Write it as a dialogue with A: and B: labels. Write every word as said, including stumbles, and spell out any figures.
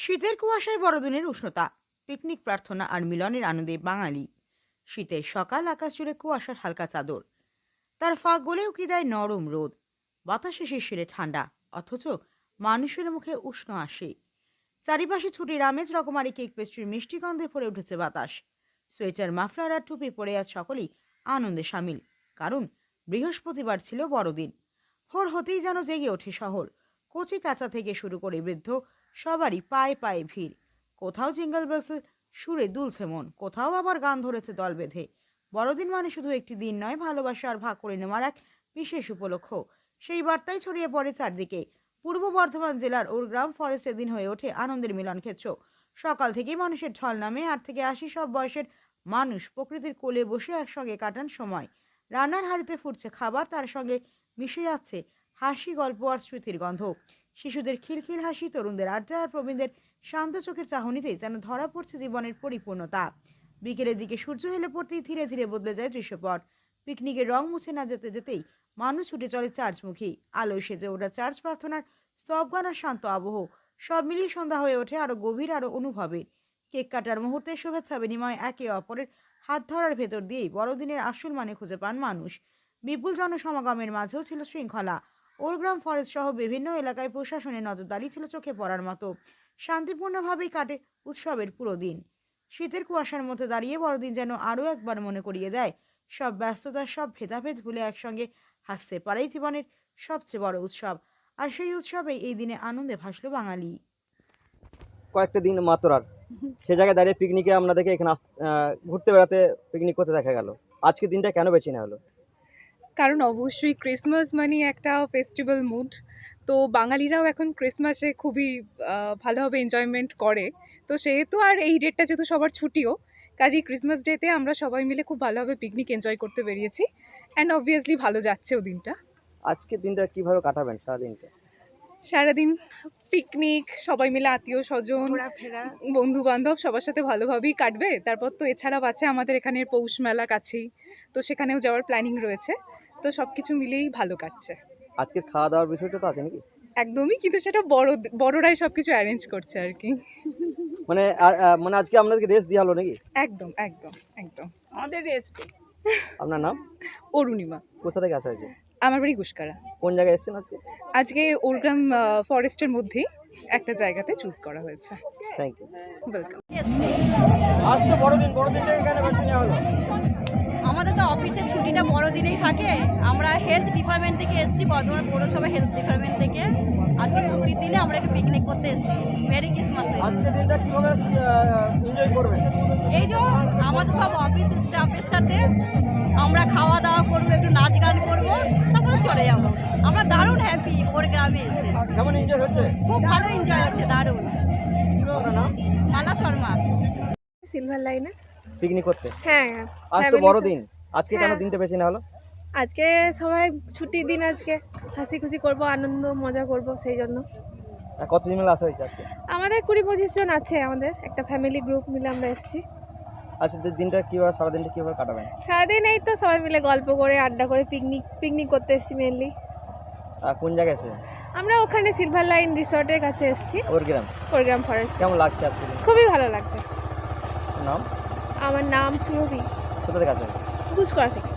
A: শীতের কুয়াশায় বড়দিনের উষ্ণতা, পিকনিক প্রার্থনা আর মিলনের আনন্দে বাঙালি। শীতের সকাল, আকাশ জুড়ে কুয়াশার হালকা চাদর, তার ফাঁক গলেও কি দেয় নরম রোদ। বাতাসে শিরশিরে ঠান্ডা, অথচ মানুষের মুখে উষ্ণ হাসি। চারিপাশে ছুটির আমেজ, রকমারি কেক পেস্ট্রির মিষ্টি গন্ধে ভরে উঠেছে বাতাস। সোয়েটার, মাফলার আর টুপি পরে আজ সকলেই আনন্দে সামিল, কারণ বৃহস্পতিবার ছিল বড়দিন। ভোর হতেই যেন জেগে ওঠে শহর। কচি কাঁচা থেকে শুরু করে বৃদ্ধ, সবারই পায়ে পায়ে ভিড়। কোথাও জিঙ্গল বেলসের সুরে দুলছে মন, কোথাও আবার গান ধরেছে দল বেঁধে। বড়দিন মানে শুধু একটি দিন নয়, ভালোবাসা আর ভাগ করে নেওয়ার এক বিশেষ উপলক্ষ। সেই বার্তাই ছড়িয়ে পড়ে চারদিকে। পূর্ব বর্ধমান জেলার ওরগ্রাম ফরেস্টে দিন হয়ে ওঠে আনন্দের মিলন ক্ষেত্র। সকাল থেকেই মানুষের ঢল নামে, আট থেকে আশি সব বয়সের মানুষ প্রকৃতির কোলে বসে একসঙ্গে কাটান সময়। রান্নার হাঁড়িতে ফুটছে খাবার, তার সঙ্গে মিশে যাচ্ছে হাসি, গল্প আর স্মৃতির গন্ধ। শিশুদের খিলখিল হাসি, তরুণদের আড্ডা আর প্রবীণদের শান্ত চোখের চাহনিতে যেন ধরা পড়ছে জীবনের পরিপূর্ণতা। বিকেলের দিকে সূর্য হেলে পড়তেই ধীরে ধীরে বদলে যায় দৃশ্যপট। পিকনিকের রং মুছে না যেতে যেতেই মানুষ ছুটে চলে চার্চমুখী। আলোয় সেজে ওঠা চার্চ, প্রার্থনার স্তবগান আর শান্ত আবহ, সব মিলিয়ে সন্ধ্যা হয়ে ওঠে আরো গভীর, আরো অনুভবের। কেক কাটার মুহূর্তে শুভেচ্ছা বিনিময়, একে অপরের হাত ধরার ভেতর দিয়েই বড়দিনের আসল মানে খুঁজে পান মানুষ। বিপুল জনসমাগমের মাঝেও ছিল শৃঙ্খলা। ওরগ্রাম ফরেস্ট সহ বিভিন্ন এলাকায় প্রশাসনের নজরদারি ছিল চোখে পড়ার মতো। শান্তিপূর্ণভাবেই কাটে উৎসবের পুরো দিন। শীতের কুয়াশার মধ্যে দাঁড়িয়ে বড়দিন যেন আরও একবার মনে করিয়ে দেয়, সব ব্যস্ততার, সব ভেদাভেদ ভুলে একসঙ্গে হাসতে পারেই জীবনের সবচেয়ে বড় উৎসব। আর সেই উৎসবেই এই দিনে আনন্দে ভাসল বাঙালি।
B: কয়েকটা দিন মাত্র আর সে জায়গায় দাঁড়িয়ে পিকনিকে আপনাদেরকে এখানে আস- আহ, ঘুরতে বেড়াতে পিকনিক করতে দেখা গেল। আজকে দিনটা কেন বেছে নেওয়া হলো?
C: কারণ অবশ্যই ক্রিসমাস মানে একটা ফেস্টিভ্যাল মুড। তো বাঙালিরাও এখন ক্রিসমাসে খুবই আহ, ভালোভাবে এনজয়মেন্ট করে। তো সেহেতু আর এই ডেটটা যেহেতু সবার ছুটিও, কাজেই ক্রিসমাস ডেতে আমরা সবাই মিলে খুব ভালোভাবে পিকনিক এনজয় করতে বেরিয়েছি। অ্যান্ড অবভিয়াসলি ভালো যাচ্ছেও দিনটা।
B: আজকে দিনটা কিভাবে কাটাবেন সারাদিনটা?
C: সারাদিন পিকনিক, সবাই মিলে আত্মীয় স্বজন,
A: ঘোরাফেরা।
C: বন্ধু বান্ধব সবার সাথে ভালোভাবেই কাটবে। তারপর তো এছাড়াও আছে আমাদের এখানের পৌষ মেলা কাছেই, তো সেখানেও যাওয়ার প্ল্যানিং রয়েছে। তো সব কিছু মিলেই ভালো কাটছে।
B: আজকে খাওয়া দাওয়ার বিষয়টা তো আছে নাকি?
C: একদমই, কিন্তু সেটা বড় বড়রাই সবকিছু অ্যারেঞ্জ করছে আর কি।
B: মানে আ- আ, মানে আজকে আপনাদেরকে রেস্ট দেওয়া হলো নাকি?
C: একদম একদম একদম।
A: আমাদের রেস্ট।
B: আপনার নাম?
C: অরুণিমা।
B: কোথা থেকে আসা হয়েছে?
C: আমার বাড়ি গুসকারা।
B: কোন জায়গায় এসেছেন আজকে?
C: আজকে ওরগ্রাম ফরেস্টের মধ্যেই একটা জায়গাতে চুজ করা হয়েছে।
B: Thank you.
C: ওয়েলকাম।
B: আজ তো বড়দিন, বড়দিনটা এখানে বেছে নেওয়া হলো।
D: আমাদের তো অফিসের ছুটিটা বড় দিনেই থাকে। আমরা হেলথ ডিপার্টমেন্ট থেকে এসেছি, বর্ধমান পৌরসভা হেলথ ডিপার্টমেন্ট থেকে। আজকে ছুটির দিনে আমরা একটু পিকনিক করতে এসেছি। মেরি ক্রিসমাসে।
B: আজকে দিনটা কিভাবে এনজয় করবেন?
D: এই যে আমাদের সব অফিস স্টাফের সাথে আমরা খাওয়া দাওয়া করবো, একটু নাচ গান করবো, তারপরে চলে যাবো। আমরা দারুণ হ্যাপি ওর গ্রামে এসে।
B: কেমন এনজয় হচ্ছে?
D: খুব ভালো এনজয় হচ্ছে, দারুণ।
B: আপনার নাম?
D: মালা শর্মা।
E: সিলভার লাইনে।
B: পিকনিক করতে।
E: হ্যাঁ,
B: আজ তো
E: family
B: বড়দিন, আজকে কেন
E: হ্যাঁ।
B: দিনটা বেছে নেওয়া হলো?
E: আজকে সবাই ছুটির দিন, আজকে হাসি খুশি করব, আনন্দ মজা করব, সেই জন্য।
B: আর কতজন মিলে আসা হয়েছে আজকে?
E: আমাদের কুড়ি পঁচিশ জন আছে, আমাদের একটা ফ্যামিলি গ্রুপ মিলে আমরা এসেছি।
B: আজকে দিনটা কিভাবে, সারাদিনটা কিভাবে কাটাবেন?
E: সারাদিন এই তো সবাই মিলে গল্প করে, আড্ডা করে, পিকনিক পিকনিক করতে এসেছি মেনলি।
B: আর কোন জায়গায় এসে?
E: আমরা ওখানে সিলভার লাইন রিসর্টের কাছে এসেছি,
B: ওর গ্রাম।
E: ওরগ্রাম ফরেস্ট।
B: কেমন লাগছে আজকে দিন?
E: খুবই ভালো লাগছে।
B: নাম?
E: আমার নাম সুরভি,
B: কোথা থেকে আসেন?
E: গুসকরা থেকে।